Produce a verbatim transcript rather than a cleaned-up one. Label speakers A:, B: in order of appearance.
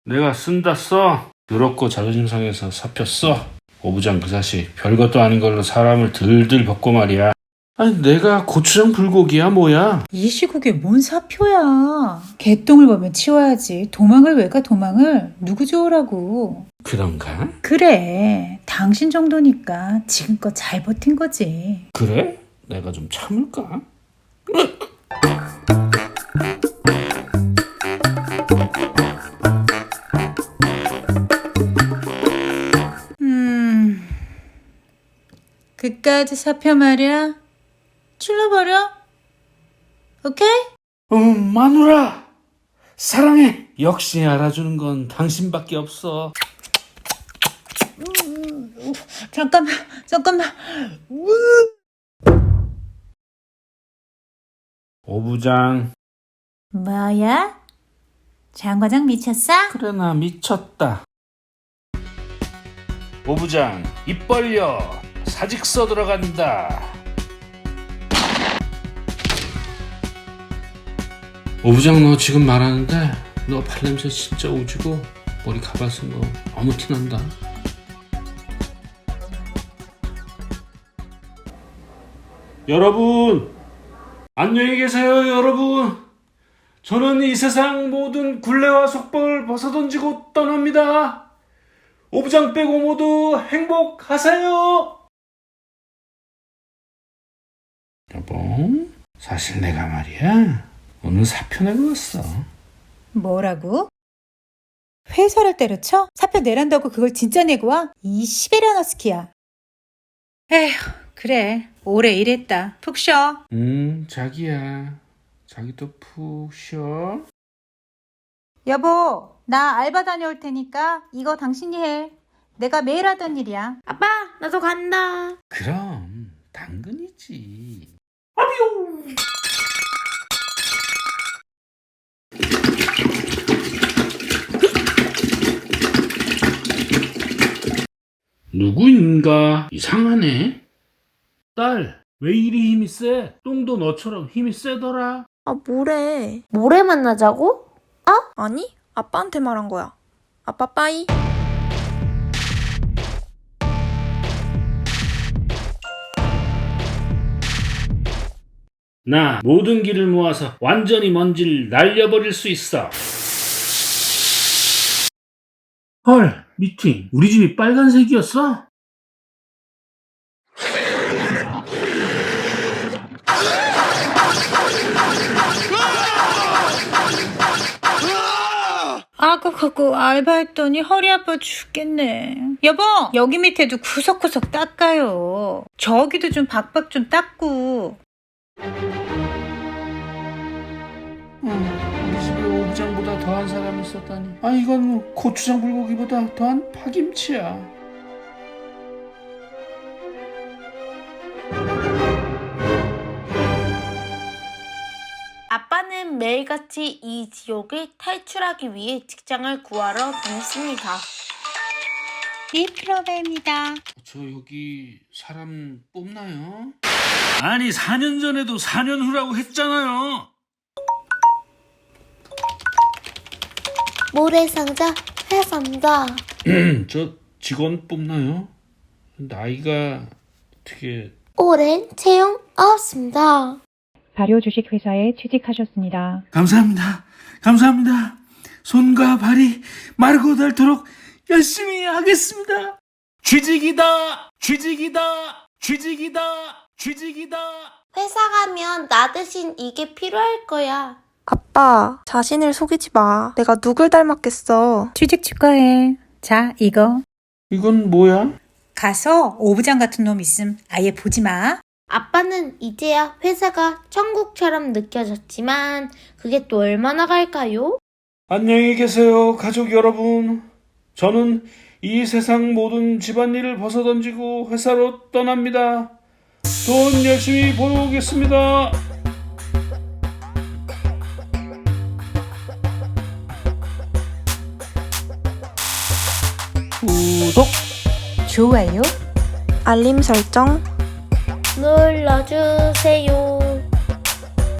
A: 내가 쓴다 써. 더럽고 자존심 상해서 사표 써. 오부장 그 자식 별것도 아닌 걸로 사람을 들들 볶고 말이야. 아니 내가 고추장 불고기야 뭐야?
B: 이 시국에 뭔 사표야. 개똥을 보면 치워야지. 도망을 왜 가 도망을. 누구 좋으라고.
A: 그런가?
B: 그래. 당신 정도니까 지금껏 잘 버틴 거지.
A: 그래? 내가 좀 참을까?
B: 음... 그까짓 사표 말이야? 출러버려? 오케이?
A: 어, 마누라 사랑해. 역시 알아주는 건 당신밖에 없어.
B: 잠깐만, 잠깐만.
A: 오부장.
B: 뭐야? 장과장 미쳤어?
A: 그래 나 미쳤다. 오부장 입 벌려. 사직서 들어간다. 오부장 너 지금 말하는데 너 발냄새 진짜 오지고 머리 가발 쓴 거 너무 티난다. 여러분 안녕히 계세요. 여러분 저는 이 세상 모든 굴레와 속박을 벗어던지고 떠납니다. 오부장 빼고 모두 행복하세요. 여보 사실 내가 말이야 오늘 사표 내고 왔어.
B: 뭐라고? 회사를 때려쳐? 사표 내란다고 그걸 진짜 내고 와? 이 시베리아너스키야. 에휴, 그래. 오래 일했다. 푹 쉬어.
A: 음 자기야 자기도 푹 쉬어.
B: 여보, 나 알바 다녀올 테니까 이거 당신이 해. 내가 매일 하던 일이야.
C: 아빠, 나도 간다.
A: 그럼 당근이지. 누구인가 이상하네. 딸, 왜 이리 힘이 세? 똥도 너처럼 힘이 세더라.
C: 아, 뭐래. 모레 만나자고?
D: 아니, 아빠한테 말한 거야. 아빠 빠이.
A: 나 모든 길을 모아서 완전히 먼지를 날려버릴 수 있어. 헐, 미팅. 우리 집이 빨간색이었어?
B: 아까 갖고 알바했더니 허리 아파 죽겠네. 여보, 여기 밑에도 구석구석 닦아요. 저기도 좀 박박 좀 닦고.
A: 음, 우리 집에 오부장보다 더한 사람이 있었다니. 아, 이건 고추장 불고기보다 더한 파김치야.
C: 아빠는 매일같이 이 지옥을 탈출하기 위해 직장을 구하러 다녔습니다.
B: 이 프로그램이다.
A: 저 여기 사람 뽑나요? 아니 사 년 전에도 사 년 후라고 했잖아요.
C: 모래상자 회상자.
A: 저 직원 뽑나요? 나이가 어떻게...
C: 올해는 채용 없습니다.
B: 발효 주식 회사에 취직하셨습니다.
A: 감사합니다. 감사합니다. 손과 발이 마르고 닳도록 열심히 하겠습니다. 취직이다. 취직이다. 취직이다. 취직이다.
C: 회사 가면 나 대신 이게 필요할 거야.
D: 아빠, 자신을 속이지 마. 내가 누굴 닮았겠어.
B: 취직 축하해. 자, 이거.
A: 이건 뭐야?
B: 가서 오부장 같은 놈 있음 아예 보지 마.
C: 아빠는 이제야 회사가 천국처럼 느껴졌지만 그게 또 얼마나 갈까요?
A: 안녕히 계세요, 가족 여러분. 저는 이 세상 모든 집안일을 벗어던지고 회사로 떠납니다. 돈 열심히 벌어오겠습니다. 구독,
B: 좋아요.
D: 알림 설정.
C: 눌러주세요.